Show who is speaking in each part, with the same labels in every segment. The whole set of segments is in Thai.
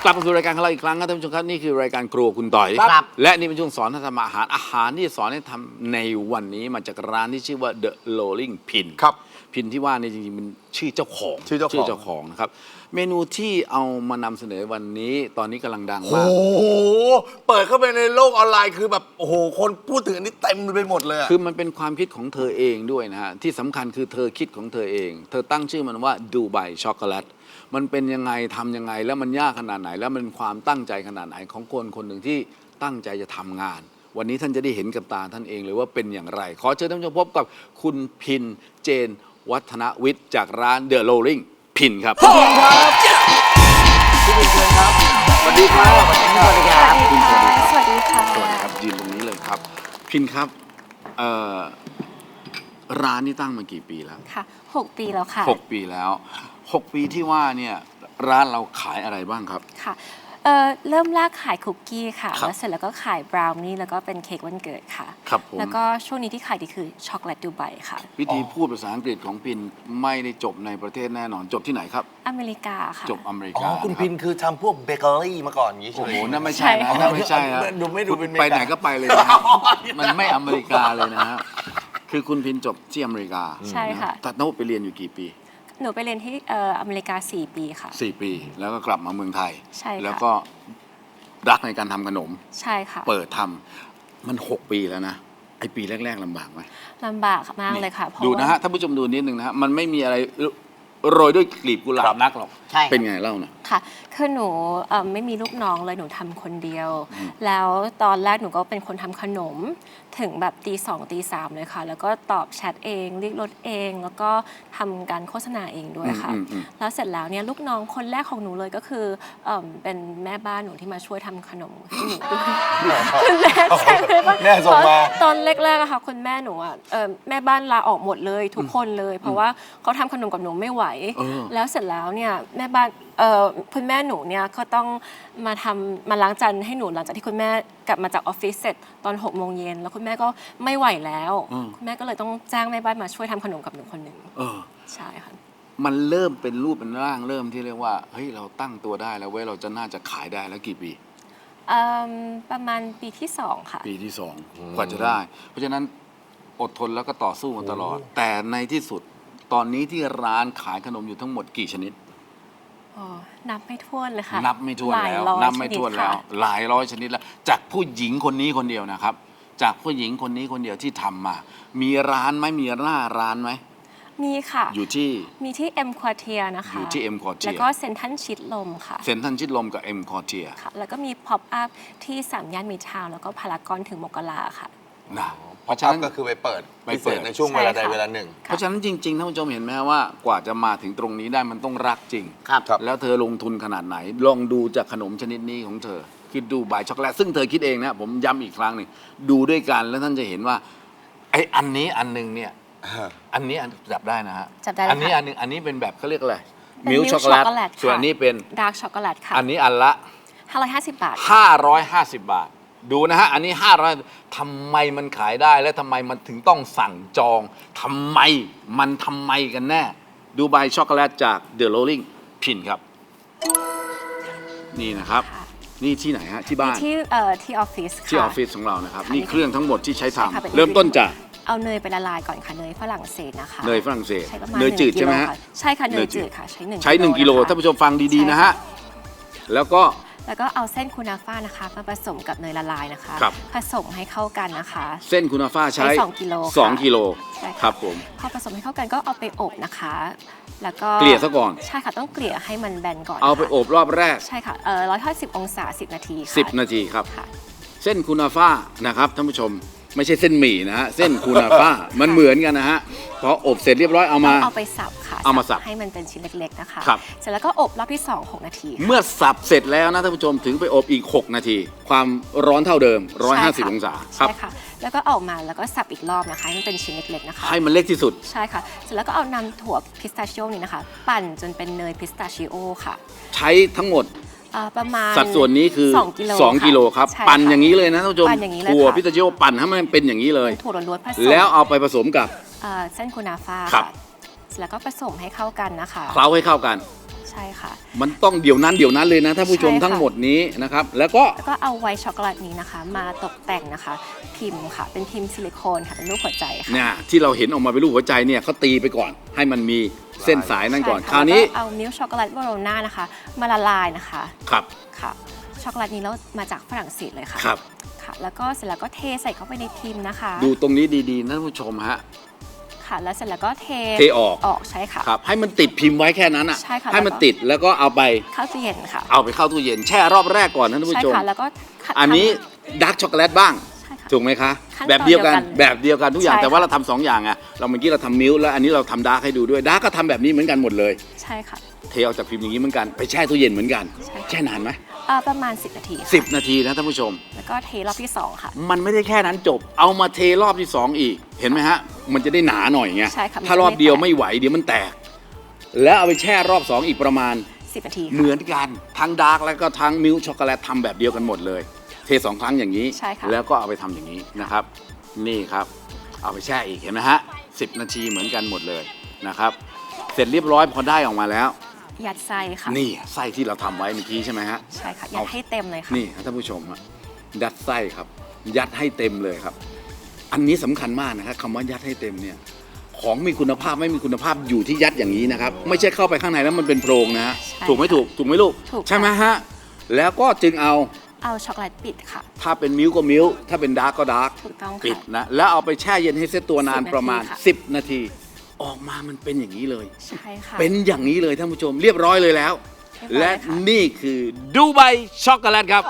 Speaker 1: กลับมาสู่รายการของเราอีกครั้งครับท่านผู้ชมครับนี่คือรายการครัวคุณต่อย และนี่เป็นช่วงสอนท่านทำอาหารที่สอนให้ทำในวันนี้มาจากร้านที่ชื่อว่า The Rolling Pin
Speaker 2: ครับ
Speaker 1: พินที่ว่านี่จริงๆมันชื่อเจ้าของนะครับเมนูที่เอามานำเสนอวันนี้ตอนนี้กำลังดังมาก
Speaker 2: โอ้โหเปิดเข้าไปในโลกออนไลน์คือแบบโอ้โหคนพูดถึงอันนี้เต็มไปหมดเลยอะ
Speaker 1: คือมันเป็นความคิดของเธอเองด้วยนะฮะที่สำคัญคือเธอคิดของเธอเอง เธอตั้งชื่อมันว่าดูไบช็อกโกแลตมันเป็นยังไงทำยังไงแล้วมันยากขนาดไหน แล้วมันความตั้งใจขนาดไหนของคนคนหนึ่งที่ตั้งใจจะทำงาน วันนี้ท่านจะได้เห็นกับตาท่านเองเลยว่าเป็นอย่างไร ขอเชิญท่านผู้ชมพบกับคุณพินเจนวัฒนวิทย์จากร้าน The Rolling Pin ครับพี่พินครับพี่พินเชิญครับสวัสดีครับ
Speaker 3: สวัสดีครับ
Speaker 1: พินสวัสดีครับ
Speaker 3: สวัสดีค่ะ
Speaker 1: สวัสดีครับยืนตรงนี้เลยครับ พินครับร้านนี้ตั้งมากี่ปีแล้ว
Speaker 3: ค่ะ6 ปีแล้วค่ะ
Speaker 1: 6 ปีแล้ว 6 ปีที่ว่าเนี่ยร้านเราขายอะไรบ้างครับ
Speaker 3: ค่ะเริ่มแรกขายคุกกี้ค่ะ
Speaker 1: ครับ
Speaker 3: แล้วเสร็จแล้วก็ขายบราวนี่แล้วก็เป็นเค้กวันเกิดค่ะ
Speaker 1: ครับผม
Speaker 3: แล้วก็ช่วงนี้ที่ขายดีคือช็อกโกแลตดูไบค่ะ
Speaker 1: วิธีพูดภาษาอังกฤษของพินไม่ได้จบในประเทศแน่นอนจบที่ไหนครับ
Speaker 3: อเมริกาค่ะ
Speaker 1: จบอเมริ
Speaker 2: อ๋
Speaker 1: กา
Speaker 2: อคุณพินคือทำพวกเบเกอรี่มาก่อนอย่างนี้ใช่
Speaker 1: โอ้
Speaker 2: ไหม
Speaker 1: โหนั่นไม่ใช่นะนั่นไม่ใช่นะ
Speaker 2: ไม่ดูเป็นอเมริกา
Speaker 1: ไปไหนก็ไปเลยนะฮะมันไม่อเมริกาเลยนะฮะคือคุณพินจบที่อเมริกา
Speaker 3: ใช่ค่ะ
Speaker 1: ตัดโน้ตไปเรียนอยู่กี่ปี
Speaker 3: หนูไปเรียนที่อเมริกา4 ปีค่ะ
Speaker 1: 4 ปีแล้วก็กลับมาเมืองไทย
Speaker 3: ใช่ค่ะ
Speaker 1: แล้วก็รักในการทำขนม
Speaker 3: ใช่ค่ะ
Speaker 1: เปิดทำมัน 6 ปีแล้วนะไอปีแรกๆลำบากไหม
Speaker 3: ลำบากมากเลยค่ะเพรา
Speaker 1: ดูนะฮะท่านผู้ชมดูนิดนึงนะฮะมันไม่มีอะไรโรยด้วยกลีบกุหลาบนักหรอก
Speaker 4: ใช่
Speaker 1: เป็นไงเล่านะ
Speaker 3: ค่ะคือหนูไม่มีลูกน้องเลยหนูทำคนเดียว แล้วตอนแรกหนูก็เป็นคนทำขนมถึงแบบตี 2 ตี 3เลยค่ะ แล้วก็ตอบแชทเองเรียกรถเอง แล้วก็ทำการโฆษณาเองด้วยค่ะ แล้วเสร็จแล้วเนี่ยลูกน้องคนแรกของหนูเลยก็คือเป็นแม่บ้านหนูที่มาช่วยทำขนมให้หนูด้วยคุณแม่ใช่ไหมว่า
Speaker 2: แม่ส่งมา
Speaker 3: ตอนแรกๆอะค่ะคุณแม่หนูอะแม่บ้านลาออกหมดเลยทุกคนเลย เพราะว่าเขาทำขนมกับหนูไม่ไหว แล้วเสร็จแล้วเนี่ยแม่บ้านคุณแม่หนูเนี่ยก็ต้องมาล้างจานให้หนูหลังจากที่คุณแม่กลับมาจากออฟฟิศเสร็จตอน6 โมงเย็นแล้วคุณแม่ก็ไม่ไหวแล้วคุณแม่ก็เลยต้องจ้างแม่บ้านมาช่วยทำขนมกับหนูคนหนึ่ง
Speaker 1: เออ
Speaker 3: ใช่ค่ะ
Speaker 1: มันเริ่มเป็นรูปเป็นร่างเริ่มที่เรียกว่าเฮ้ยเราตั้งตัวได้แล้วเว้ยเราจะน่าจะขายได้แล้วกี่ปี
Speaker 3: ประมาณปีที่ 2 ค่ะ
Speaker 1: ปีที่2กว่าจะได้ เพราะฉะนั้นอดทนแล้วก็ต่อสู้มาตลอด แต่ในที่สุดตอนนี้ที่ร้านขายขนมอยู่ทั้งหมดกี่ชนิด
Speaker 3: นับไม่ถ้วนเลยค่ะ
Speaker 1: นับไม่ถ้วนแล้ว
Speaker 3: หลายร้อย
Speaker 1: นับไม่ถ้วน
Speaker 3: ชด
Speaker 1: แล้ว
Speaker 3: ค่ะ
Speaker 1: หลายร้อยชนิดแล้ว จากผู้หญิงคนนี้คนเดียวนะครับ จากผู้หญิงคนนี้คนเดียวที่ทำมา มีร้านไหมมีหน้าร้านไหม
Speaker 3: มีค่ะ
Speaker 1: อยู่ที่
Speaker 3: มีที่ M Quartier นะคะ
Speaker 1: อยู่ที่ M Quartier
Speaker 3: แล้วก็เซ็นทรัลชิดลมค่ะ
Speaker 1: เซ็นทรัลชิดลมกับ M Quartier
Speaker 3: ค่ะ แล้วก็มี Pop Up ที่3 ย่านมิตรทาวน์แล้วก็พารากอนถึงมกราค่ะ
Speaker 1: นะเพ
Speaker 2: เพราะ
Speaker 1: ราะ
Speaker 2: ฉะ
Speaker 1: ฉะ
Speaker 2: นั้
Speaker 1: นั้น น
Speaker 2: ก็คือไปเปิด
Speaker 1: ไป
Speaker 2: พิ
Speaker 1: เปิ
Speaker 2: เศ
Speaker 1: ด
Speaker 2: ษในช่วงเวลาใด
Speaker 3: ใช่ค่ะ
Speaker 2: เวลาหนึ่ง
Speaker 1: เพราะฉะนั้นจริงๆท่านผู้ชมเห็นไหมฮะว่ากว่าจะมาถึงตรงนี้ได้มันต้องรักจริง
Speaker 4: ครับ
Speaker 2: ครับ
Speaker 1: แล้วเธอลงทุนขนาดไหน ลองดูจากขนมชนิดนี้ของเธอคิดดูบายช็อกโกแลตซึ่งเธอคิดเองนะผมย้ำอีกครั้งหนึ่งดูด้วยกันแล้วท่านจะเห็นว่าไอ้อันนี้อันหนึงเนี่ยอันนี้จับได้นะฮะ
Speaker 3: จับได้เลย
Speaker 1: อันนี้
Speaker 3: ค่ะ
Speaker 1: อันหนึงอันนี้เป็นแบบเขาเรียกอะไร
Speaker 3: เป็น
Speaker 1: มิล
Speaker 3: milk
Speaker 1: ช็อกโกแลต
Speaker 3: chocolate ค่ะ
Speaker 1: ส่วนอันนี้เป็น
Speaker 3: ดาร์กช็อกโกแลตค่ะ
Speaker 1: อันนี้อันละ
Speaker 3: 550 บาท
Speaker 1: 550 บาท ดูนะฮะ อันนี้ 500ทำไมมันขายได้และทำไมมันถึงต้องสั่งจองทำไมกันแน่ ดูใบช็อกโกแลตจาก The Rolling Pin ครับ นี่นะครับ
Speaker 3: ค่ะ
Speaker 1: นี่ที่ไหนฮะ ที่บ้าน
Speaker 3: ที่ออฟฟิศค่ะ
Speaker 1: ที่ออฟฟิศของเรานะครับ นี่เครื่องทั้งหมดที่ใช้
Speaker 3: ใช่ค่ะเป็น
Speaker 1: ทำเริ่มต้นจาก
Speaker 3: เอาเนยไปละลายก่อนค่ะเนยฝรั่งเศสนะคะ
Speaker 1: เนยฝรั่งเศส
Speaker 3: ใช้ประมาณ
Speaker 1: เนยจืด
Speaker 3: 1
Speaker 1: ใช่ไหมฮะ
Speaker 3: กิโลค่ใช่ค่ะเน
Speaker 1: เน
Speaker 3: ย
Speaker 1: ยจื
Speaker 3: จื
Speaker 1: ด
Speaker 3: ดค่ะใช้
Speaker 1: ใช้ 1 กิโล
Speaker 3: นะคะ
Speaker 1: ท่านผู้ชมฟังดีๆนะฮะ แล้วก็
Speaker 3: แล้วก็เอาเส้นคูนาฟ่านะคะมาผสมกับเนยละลายนะคะ
Speaker 1: ครับ
Speaker 3: ผสมให้เข้ากันนะคะ
Speaker 1: เส้นคุณาฟ้าใช้
Speaker 3: ใช้2 กิโลค่ะ
Speaker 1: 2 กิโล
Speaker 3: ใช่ค่ะ
Speaker 1: ครับผม
Speaker 3: พอผสมให้เข้ากันก็เอาไปอบนะคะ แล้วก็
Speaker 1: เกลี่ยซะก่อน
Speaker 3: ใช่ค่ะต้องเกลี่ยให้มันแบนก่อน
Speaker 1: เอาไป
Speaker 3: ค่ะ
Speaker 1: อบรอบแรก
Speaker 3: ใช่ค่ะ150 องศา 10 นาทีค่ะ
Speaker 1: 10 นาทีครับ
Speaker 3: ค่ะ
Speaker 1: เส้นคูนาฟ่านะครับท่านผู้ชมไม่ใช่เส้นหมี่นะฮะเส้นคูนาฟ่ามันเหมือนกันนะฮะพออบเสร็จเรียบร้อยเอามา
Speaker 3: เอาไปสับค่ะ
Speaker 1: เอามาสับ
Speaker 3: ให้มันเป็นชิ้นเล็กๆนะคะ
Speaker 1: ครับ
Speaker 3: เสร็จแล้วก็อบรอบที่ 2 6 นาทีค่ะ
Speaker 1: เมื่อสับเสร็จแล้วนะท่านผู้ชมถึงไปอบอีก 6 นาที ความร้อนเท่าเดิม
Speaker 3: ใช่ค่ะ
Speaker 1: 150 องศาครับ
Speaker 3: ใช่ค่ะ แล้วก็เอามาแล้วก็สับอีกรอบนะคะให้มันเป็นชิ้นเล็กๆนะคะ
Speaker 1: ให้มันเล็กที่สุด
Speaker 3: ใช่ค่ะ เสร็จแล้วก็เอานำถั่วพิสตาชิโอนี่นะคะ ปั่นจนเป็นเนยพิสตาชิโอค่ะ
Speaker 1: ใช้ทั้งหมด
Speaker 3: ประมาณ
Speaker 1: สัดส่วนนี้คือ
Speaker 3: 2 กิโล
Speaker 1: 2 กิโลครับ
Speaker 3: ใช่ะ
Speaker 1: ปั่นอย่างนี้เลยนะท่านผู้ชม
Speaker 3: ปั่นอย่างนี้เลย
Speaker 1: ถั่ว
Speaker 3: ค่ะ
Speaker 1: พิตาชิโอปั่นให้มันเป็นอย่างนี้เลย
Speaker 3: ถั่วล้วนๆผสม
Speaker 1: แล้วเอาไปผสมกับ
Speaker 3: เส้นคูนาฟ่า
Speaker 1: ครับ
Speaker 3: ค่ะเสร็จแล้วก็ผสมให้เข้ากันนะคะ
Speaker 1: เคล้าให้เข้ากัน
Speaker 3: ใใช่ค่ะ
Speaker 1: มันต้องเดี๋ยวนั้นเลยนะท่านผู้ชม
Speaker 3: ใช่ค่ะ
Speaker 1: ทั้งหมดนี้นะครับแล้วก็
Speaker 3: แล้วก็เอาไวท์ช็อกโกแลตนี้นะคะ มาตกแต่งนะคะ พิมพ์ค่ะ เป็นพิมพ์ซิลิโคนค่ะเป็นรูปหัวใจค่ะ
Speaker 1: เนี่ยที่เราเห็นออกมาเป็นรูปหัวใจเนี่ยเขาตีไปก่อน ให้มันมีเส้นสายนั่นก่อน
Speaker 3: ใช่
Speaker 1: คราวนี้
Speaker 3: แล้วก็เอามิลค์ช็อกโกแลตวาโรน่านะคะ มาละลายนะคะ
Speaker 1: ครับ
Speaker 3: ค่ะช็อกโกแลตนี้แล้วมาจากฝรั่งเศสเลยค่ะ
Speaker 1: ครับ
Speaker 3: ค่ะ แล้วก็เสร็จแล้วก็เทใส่เข้าไปในพิมพ์นะคะ
Speaker 1: ดูตรงนี้ดีๆนะท่านผู้ชมฮะ
Speaker 3: ค่ะ แล้วเสร็จแล้วก็เท
Speaker 1: ออก
Speaker 3: ใช่ค่ะ
Speaker 1: ครับให้มันติดพิมพ์ไว้แค่นั้นอ่ะ
Speaker 3: ใช่ค่ะ
Speaker 1: ให้มันติดแล้วก็เอาไป
Speaker 3: เข้าตู้เย็นค่ะ
Speaker 1: เอาไปเข้าตู้เย็นแช่รอบแรกก่อนนะท่าน
Speaker 3: ใช่
Speaker 1: ผู้ชม
Speaker 3: ค่ะ แล้วก็
Speaker 1: อันนี้ดาร์กช็อกโกแลตบ้าง
Speaker 3: ใช่ค่ะ
Speaker 1: ถูกไหมคะ
Speaker 3: ขั้นตอน
Speaker 1: แบบเดียวกัน
Speaker 3: เดียวกัน
Speaker 1: แบบเดียวกันทุกอย่าง
Speaker 3: ใช่
Speaker 1: แต่ว่า
Speaker 3: ค่ะ
Speaker 1: เราทำสองอย่างอะเราเมื่อกี้เราทำมิลค์แล้วอันนี้เราทำดาร์กให้ดูด้วยดาร์กก็ทำแบบนี้เหมือนกันหมดเลย
Speaker 3: ใช่ค่ะ
Speaker 1: เทออกจากพิมพ์อย่างนี้เหมือนกันไปแช่ตู้เย็นเหมือนกัน
Speaker 3: ใช่ค่ะ
Speaker 1: แช่นานไหม
Speaker 3: ประมาณ 10 นาทีค่ะ
Speaker 1: 10 นาทีนะท่านผู้ชม
Speaker 3: แล้วก็เทรอบที่ 2 ค่ะ
Speaker 1: มันไม่ได้แค่นั้นจบ เอามาเทรอบที่ 2 อีก เห็นไหมฮะ มันจะได้หนาหน่อยไง
Speaker 3: ใช่ค่ะ
Speaker 1: ถ้ารอบเดียวไม่ไหวเดี๋ยวมันแตก แล้วเอาไปแช่รอบ 2 อีกประมาณ
Speaker 3: 10 นาที
Speaker 1: เหมือนกันทั้งดาร์กแล้วก็ทั้งมิลค์ช็อกโกแลตทำแบบเดียวกันหมดเลย เท 2 ครั้งอย่างนี้
Speaker 3: ใช่ค่ะ
Speaker 1: แล้วก็เอาไปทำอย่างนี้นะครับ นี่ครับ เอาไปแช่อีกเห็นไหมฮะ10 นาทีเหมือนกันหมดเลยนะครับ เสร็จเรียบร้อยพอได้ออกมาแล้ว
Speaker 3: ยัดไส้ค่ะ
Speaker 1: นี่ไส้ที่เราทำไว้เมื่อกี้ใช่ไหมฮะ
Speaker 3: ใช่ค่ะ ยัดให้เต็มเลยค่ะ
Speaker 1: นี่ครับท่านผู้ชมฮะยัดไส้ครับ ยัดให้เต็มเลยครับ อันนี้สำคัญมากนะครับคำว่ายัดให้เต็มเนี่ยของมีคุณภาพไม่มีคุณภาพอยู่ที่ยัดอย่างนี้นะครับ ไม่ใช่เข้าไปข้างในแล้วมันเป็นโพรงนะฮะ
Speaker 3: ใช่
Speaker 1: ถูกไหมถูกไหมลูก
Speaker 3: ถูกค่ะ
Speaker 1: ใช่ไหมฮะแล้วก็จึงเอา
Speaker 3: เอาช็อกโกแลตปิดค่ะ
Speaker 1: ถ้าเป็นมิลค์ก็มิลค์ถ้าเป็นดาร์กก็ดาร์ก
Speaker 3: ถูกต้อง
Speaker 1: ปิด
Speaker 3: ค่ะ
Speaker 1: นะแล้วเอาไปแช่เย็นให้เซตตัวนาน
Speaker 3: 10
Speaker 1: ประมาณ
Speaker 3: นาทีค่ะ
Speaker 1: 10 นาที ออกมามันเป็นอย่างนี้เลย
Speaker 3: ใช่ค่ะ
Speaker 1: เป็นอย่างนี้เลยท่านผู้ชมเรียบร้อยเลยแล้ว
Speaker 3: เรียบร้อย
Speaker 1: และ
Speaker 3: ค่ะ
Speaker 1: นี่คือดูไบช็อกโกแลตครับ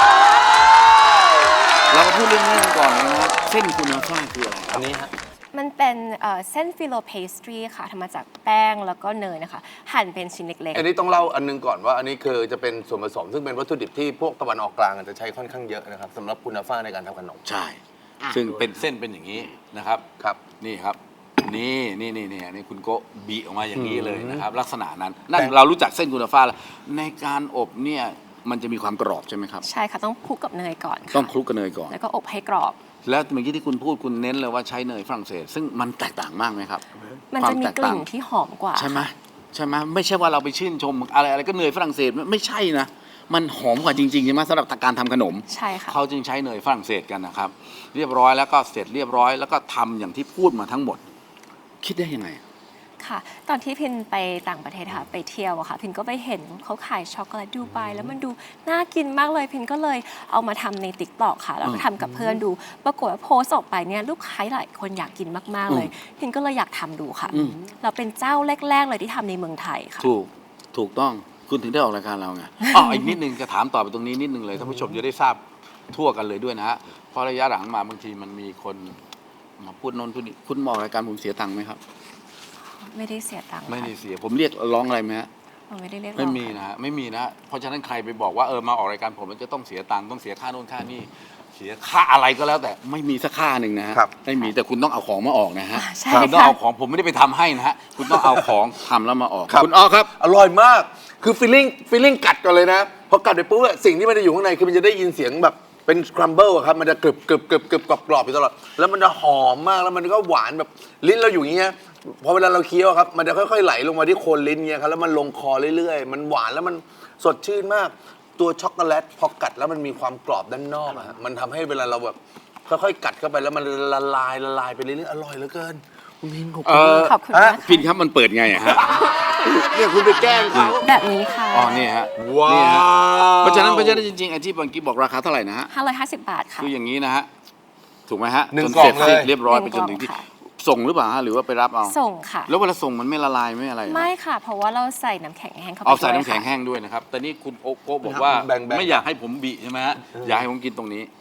Speaker 1: เรามาพูดเรื่องนี้กันก่อนเลยนะครับเส้นคูนาฟ่าคืออะไรค
Speaker 2: อั
Speaker 1: รับ
Speaker 2: นนี้ฮะ
Speaker 3: มันเป็นเส้นฟิโลเพสตรีค่ะทำมาจากแป้งแล้วก็เนยนะคะ หั่นเป็นชิ้นเล็ก
Speaker 2: อันนี้ต้องเล่าอันนึงก่อนว่าอันนี้คือจะเป็นส่วนผสม ซึ่งเป็นวัตถุดิบที่พวกตะวันออกกลางจะใช้ค่อนข้างเยอะนะครับสำหรับคุณภาพในการทำขนม
Speaker 1: ใช่ ซึ่งเป็นเส้นเป็นอย่างนี้นะครับ
Speaker 2: ครับ
Speaker 1: นี่ครับ นี่อันนี้คุณโกะบีออกมาอย่างนี้เลยนะครับ ลักษณะนั้นนั่น
Speaker 2: แต่
Speaker 1: เรารู้จักเส้นคูนาฟ่าแล้วในการอบเนี่ยมันจะมีความกรอบใช่ไหมครับ
Speaker 3: ๆ ใช่ค่ะ ต้องคลุกกับเนยก่อนค่ะ
Speaker 1: ต้องคลุกกับเนยก่อน
Speaker 3: แล้วก็อบให้กรอบ
Speaker 1: แล้วเมื่อกี้ที่คุณพูดคุณเน้นเลยว่าใช้เนยฝรั่งเศส ซึ่งมันแตกต่างมากไหมครับ
Speaker 3: มันจะมีกลิ่นที่หอมกว่า
Speaker 1: ใช่ไหมใช่ไหมไม่ใช่ว่าเราไปชื่นชมอะไรก็เนยฝรั่งเศสไม่ใช่นะ มันหอมกว่าจริงๆใช่ไหมสำหรับการทำขนม
Speaker 3: ใช่ค่ะ
Speaker 1: เขาจึงใช้เนยฝรั่งเศสกันนะครับ เรียบร้อยแล้วก็เสร็จเรียบร้อยแล้วก็ทำอย่างที่พูดมาทั้งหมด คิดได้ยังไง
Speaker 3: ค่ะ ตอนที่พินไปต่างประเทศค่ะ ไปเที่ยวอะค่ะ พินก็ไปเห็นเขาขายช็อกโกแลตดูไบแล้วมันดูน่ากินมากเลย พินก็เลยเอามาทำในติ๊กต็อกค่ะ แล้วก็ทำกับเพื่อนดู ปรากฏว่าโพสต์ออกไปเนี่ยลูกค้าหลายคนอยากกินมากๆเลย พินก็เลยอยากทำดูค่ะ เราเป็นเจ้าแรกๆเลยที่ทำในเมืองไทยค่ะ
Speaker 1: ถูกต้องคุณถึงได้ออกรายการเราไง อ๋ออีกนิดนึงจะถามต่อไปตรงนี้นิดนึงเลยท่านผู้ชมจะได้ทราบทั่วกันเลยด้วยนะฮะเพราะระยะหลังมาบางทีมันมีคนมาพูดโนนพูดนี่คุณมาออกรายการผมเสียตังค์ไหมครับ
Speaker 3: ไม่ได้เสียตังค์
Speaker 1: ไม่
Speaker 3: ค่ะ
Speaker 1: ได้เสียผมเรียกร้องอะไรไหมฮะ
Speaker 3: ไม่ได้เรียกร้
Speaker 1: ไม่
Speaker 3: อง
Speaker 1: มี
Speaker 3: ค่ะ
Speaker 1: นะฮะไม่มีนะฮะเพราะฉะนั้นใครไปบอกว่ามาออกรายการผมมันจะต้องเสียตังค์ต้องเสียค่าโน่นค่านี่เสียค่าอะไรก็แล้วแต่ไม่มีสักค่าหนึ่งนะฮะ
Speaker 2: ครับ
Speaker 1: ไม่มีแต่คุณต้องเอาของมาออกนะฮะ
Speaker 3: ใช่
Speaker 1: คุณต้อง
Speaker 3: ค่ะ
Speaker 1: เอาของผมไม่ได้ไปทำให้นะฮะคุณต้องเอาของทำแล้วมาออก
Speaker 2: ครับ
Speaker 1: คุณอ้อครับ
Speaker 2: อร่อยมาก คือฟีลลิ่งกัดก่อนเลยนะ พอกัดไปปุ๊บอะสิ่งที่มันจะอยู่ข้างในคือมันจะได้ยินเสียงแบบเป็นครัมเบิลครับ มันจะกรึบกรอบอยู่ตลอด แล้วมันจะหอมมาก แล้วมันก็หวานแบบลิ้นเราอยู่อย่างเงี้ย พอเวลาเราเคี้ยวครับ มันจะค่อยๆไหลลงมาที่โคนลิ้นเงี้ยครับ แล้วมันลงคอเรื่อยๆ มันหวานแล้วมันสดชื่นมาก ตัวช็อกโกแลตพอกัดแล้วมันมีความกรอบด้านนอกอะฮะมันทำให้เวลาเราแบบค่อยๆกัดเข้าไปแล้วมันละลายไปเรื่อยๆ อร่อยเหลือเกิน คุณพินขอบคุณมาก
Speaker 3: ขอบคุณมาก
Speaker 1: พิน
Speaker 3: ค่ะ
Speaker 1: ครับมันเปิดไงอะฮะ
Speaker 2: เนี่ยคุณไปแกล้งเขา
Speaker 3: แบบนี้ค่ะ
Speaker 1: อ๋อนี่ฮะ
Speaker 2: ว้าว
Speaker 1: นี่ฮะเพราะฉะนั้นจริงๆไอ้ที่บางกี้บอกราคาเท่าไหร่นะฮะ
Speaker 3: 550 บาทค่ะ
Speaker 1: คืออย่างนี้นะฮะถูกไหมฮะ
Speaker 2: หนึ่ง
Speaker 1: จน
Speaker 2: กล่อง
Speaker 1: เสร็จ
Speaker 2: เลย
Speaker 1: เรียบร้อย
Speaker 3: หนึ่
Speaker 1: ไป
Speaker 3: ง
Speaker 1: จนถึงที่
Speaker 3: กล่องค่ะ
Speaker 1: ส่งหรือเปล่าฮะหรือว่าไปรับเอา
Speaker 3: ส่งค่ะ
Speaker 1: แล้วเวลาส่งมันไม่ละลายไม่อะไรเหรอ
Speaker 3: ไม่ค่ะ เพราะว่าเราใส่น้ำแข็งแห้งเข้าไป
Speaker 1: เอาใส่
Speaker 3: ด้วย
Speaker 1: น้ำแข็ง
Speaker 3: ค่ะ
Speaker 1: แห้งด้วยนะครับ แต่นี่คุณโอโก้บอกว่า
Speaker 2: แบ่งๆ
Speaker 1: ไม่อยากให้ผมบีใช่ไหมฮะอยากให้ผมกินตรงนี้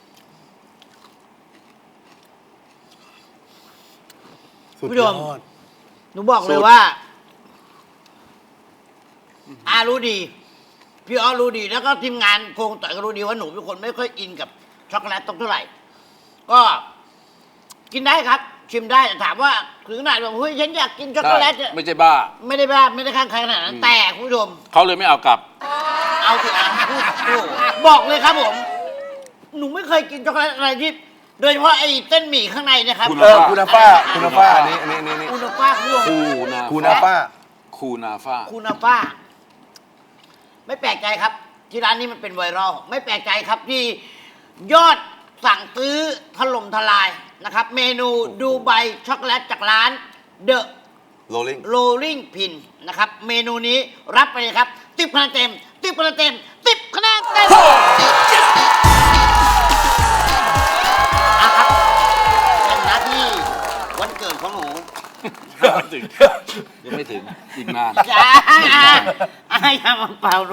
Speaker 2: สุด
Speaker 4: ผู้
Speaker 2: ย
Speaker 4: ช
Speaker 2: อ
Speaker 4: ม
Speaker 2: ด
Speaker 4: หนูบอกเลยว่าอารู้ดี พี่อ้อรู้ดี แล้วก็ทีมงานโครงต่อยก็รู้ดีว่าหนูเป็นคนไม่ค่อยอินกับช็อกโกแลตตรงเท่าไหร่ ก็กินได้ครับ ชิมได้แต่ถามว่าถึงขนาดแบบเฮ้ยฉันอยากกินช็อกโกแลตเนี่ย
Speaker 1: ไม่ใช่บ้า
Speaker 4: ไม่ได้บ้าไม่ได้ข้างใครขนาดนั้น แต่คุณผู้ชม
Speaker 1: เขาเลยไม่เอากลับ
Speaker 4: เอาสิอ่ะพูดบอกเลยครับผม หนูไม่เคยกินช็อกโกแลตอะไรที่ โดยเฉพาะไอ้เส้นหมี่ข้างในเนะครับ
Speaker 1: คุณ
Speaker 2: คุณฟ้าอันนี้
Speaker 4: คูนาฟ้าคุณผู้ชม
Speaker 1: คูนา
Speaker 2: คูนาฟ้า
Speaker 1: คูนาฟ้า
Speaker 4: คูนาฟ้าไม่แปลกใจครับ ที่ร้านนี้มันเป็นไวรัลไม่แปลกใจครับที่ยอดสั่งซื้อถล่มทลายนะครับ เมนูดูไบช็อกโกแลตจากร้านเดอะ
Speaker 2: rolling
Speaker 4: Rolling Pin นะครับ เมนูนี้รับไปเลยครับ10 คะแนนเต็ม10 คะแนนเต็ม10 คะแนนเต็มอ่ะครับเป็นหน้าที่วันเกิดของหนู
Speaker 1: ยังไม่ถึงอีกนาน
Speaker 4: อย่ามาเป่าหนู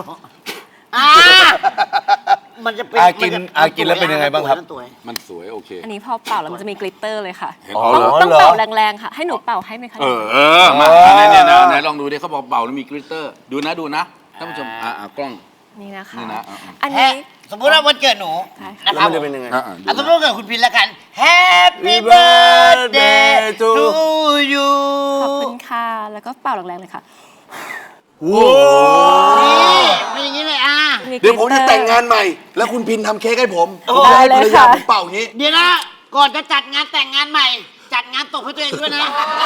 Speaker 4: มันจะเป็น
Speaker 2: กินแล้วเป็นยังไงบ้างครับ
Speaker 1: มันสวยโอเค
Speaker 3: อันนี้พอเป่าแล้วมันจะมีกลิตเตอร์เลยค่ะ
Speaker 1: เห็น
Speaker 2: อ๋
Speaker 1: อ๋
Speaker 2: อ
Speaker 1: อเหรอ
Speaker 3: ต้องเป่าแรงๆค่ะ ให้หนูเป่าให้ไหมคะ
Speaker 1: มาเนี่ยนะไหนลองดูดิเขาบอกเป่าแล้วมีกริตเตอร์ดูนะท่านผู้ชมกล้อง
Speaker 3: นี่นะคะ
Speaker 1: นี่นะ
Speaker 3: อัน
Speaker 4: แฮ
Speaker 3: นี้
Speaker 4: สมมติว่าวันเกิดหนู
Speaker 3: ใช่ค่ะ
Speaker 4: นะ
Speaker 2: แล้
Speaker 4: คว รับ
Speaker 2: มันจะเป็นยังไง
Speaker 4: อ่ะสมมติว่าเกิดคุณพินแล้วกัน Happy birthday to you
Speaker 3: ขอบคุณค่ะ แล้วก็เป่าแรงๆเลยค่ะ
Speaker 4: นี่เป็นอย่างนี้เลยอ่ะ
Speaker 2: เดี๋ยวผมจะแต่งงานใหม่ แล้วคุณพินทำเค้กให้ผม
Speaker 4: โอ้
Speaker 2: ผมจะให้
Speaker 3: ได้
Speaker 2: ภร
Speaker 3: เล
Speaker 2: ร
Speaker 3: ย
Speaker 2: ยา
Speaker 3: ค่ะ
Speaker 2: ผมเป่าอย่างนี้
Speaker 4: เดี๋ยวนะ ก่อนจะจัดงานแต่งงานใหม่ จัดงานตกให้ตัวเองด้วยนะ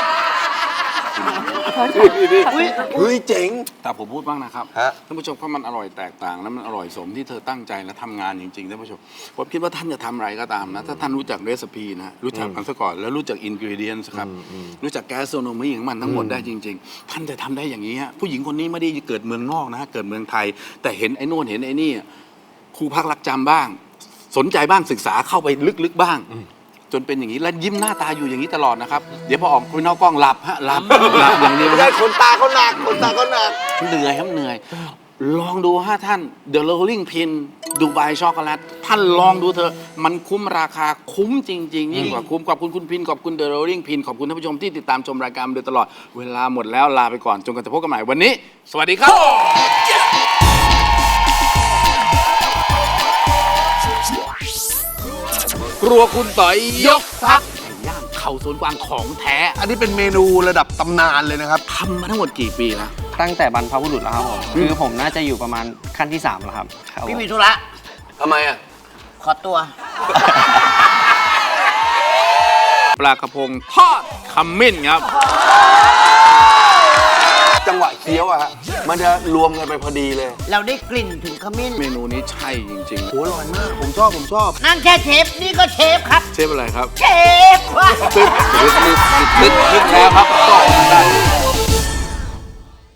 Speaker 2: เฮ้ยเจ๋ง
Speaker 1: แต่ผมพูดบ้างนะครับ
Speaker 2: ฮะ
Speaker 1: ท่านผู้ชมก็มันอร่อยแตกต่างแล้วมันอร่อยสมที่เธอตั้งใจและทำงานจริงๆท่านผู้ชมผมคิดว่าท่านจะทำอะไรก็ตามนะถ้าท่านรู้จักเรซิปีนะรู้จักมันซะก่อนแล้วรู้จักอินกรีเดียนส์ครับรู้จักแกสโซโนมีของมันทั้งหมดได้จริง ๆ ท่านจะทำได้อย่างนี้ฮะผู้หญิงคนนี้ไม่ได้เกิดเมืองนอกนะเกิดเมืองไทย แต่เห็นไอ้โน่นเห็นไอ้นี่ครูพักรักจำบ้าง สนใจบ้างศึกษาเข้าไปลึกๆบ้าง จนเป็นอย่างนี้แล้วยิ้มหน้าตาอยู่อย่างนี้ตลอดนะครับเดี๋ยวพอออกไปนอกกล้องหลับหลับอย่างเดียว
Speaker 2: ไม่
Speaker 1: นะ
Speaker 2: ได้ขนตาเขาหนักขนตาเขาหนัก
Speaker 1: เหนื่อยครับเหนื่อย ลองดูฮะท่าน The Rolling Pin ดูไบช็อกโกแลตท่านลองดูเถอะมันคุ้มราคาคุ้มจริงๆยิ่งกว่าคุ้มขอบคุณคุณพินขอบคุณ The Rolling Pin ขอบคุณท่านผู้ชมที่ติดตามชมรายการมาโดยตลอดเวลาหมดแล้วลาไปก่อนจนกว่าจะพบกันใหม่วันนี้ สวัสดีครับครัวคุณต่อยยกทัพไก่ย่างเขาสวนกวางของแท้
Speaker 2: อันนี้เป็นเมนูระดับตำนานเลยนะครับ
Speaker 1: ทำมาทั้งหมดกี่ปีนะ
Speaker 5: ตั้งแต่บรรพบุรุษแล้วครับผมคือผมน่าจะอยู่ประมาณขั้นที่ 3 แล้วครับครับผม
Speaker 4: พี่มีธุระ
Speaker 2: ทำไมอ่ะ
Speaker 4: ขอตัว
Speaker 1: ปลากระพงทอดขมิ้นครับ
Speaker 2: จังหวะเคี้ยวอะฮะ มันจะรวมกันไปพอดีเลย
Speaker 4: เราได้กลิ่นถึงขมิ้น
Speaker 1: เมนูนี้ใช่จริง
Speaker 2: โหอร่อยมาก ผมชอบ
Speaker 4: นั่นแค่เชฟ นี่ก็เชฟครับ
Speaker 1: ๆ เชฟอะไรครับ
Speaker 4: เชฟว่ะ
Speaker 1: ตึ๊ดแล้วครับก็ได้